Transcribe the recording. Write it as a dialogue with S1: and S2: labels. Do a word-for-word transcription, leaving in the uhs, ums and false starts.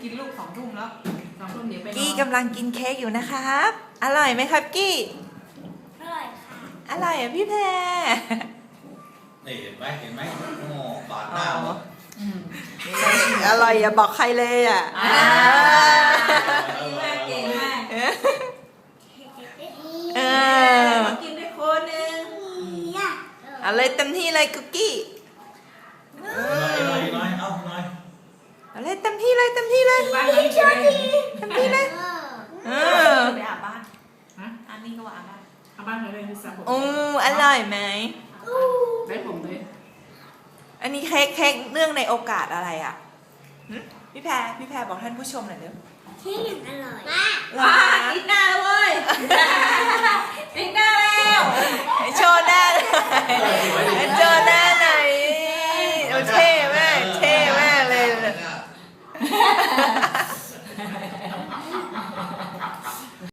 S1: กินลูกสองทุ่มแล้วสองทุ่มเดี๋ยวไปนอน
S2: กี้กำลังกินเค้กอยู่นะครับ อร่อยไหมครับกี้
S3: อร่อยค่ะ
S2: อร่อยอ่ะพี่แพร
S4: นี่เห็นไหมเห็นไหมโอ้บาดหน้าหมด
S1: อืม
S2: อร่อยอย่าบอกใครเลยอ่ะ
S1: อ่า ดีมากเก่งมาก
S2: เออ
S1: ขอกินด้วยคนหนึ่ง
S2: เอาเลยเต็มที่เลยกุกกี้
S4: หน่อยหน่อยหน่อยเอาหน่อย
S2: เอาเลยเต็มที่เลยเต็มที่เลย
S1: บ้านนี้จะได้
S2: เต็มที่เลยเออ
S1: ไปอาบบ้านฮะอันนี้ก็ว่าอาบบ้านอาบบ้านเลยเลยสระผม
S2: โอ้อร่อยไหม
S1: ได้ผมเลย
S2: อันนี้เค้กเค้กเนื่องในโอกาสอะไรอ่ะหึพี่แพรพี่แพรบอกท่านผู้ชมหน่อยเร็ว
S3: ที่หนึ่งอร่อย
S2: เหรอ
S1: ว้า
S2: คะ
S1: อีกหน้าแล้วเว้ยอีกหน้าแล้ว
S2: ให้โชว์หน้าเลยให้โชว์หน้า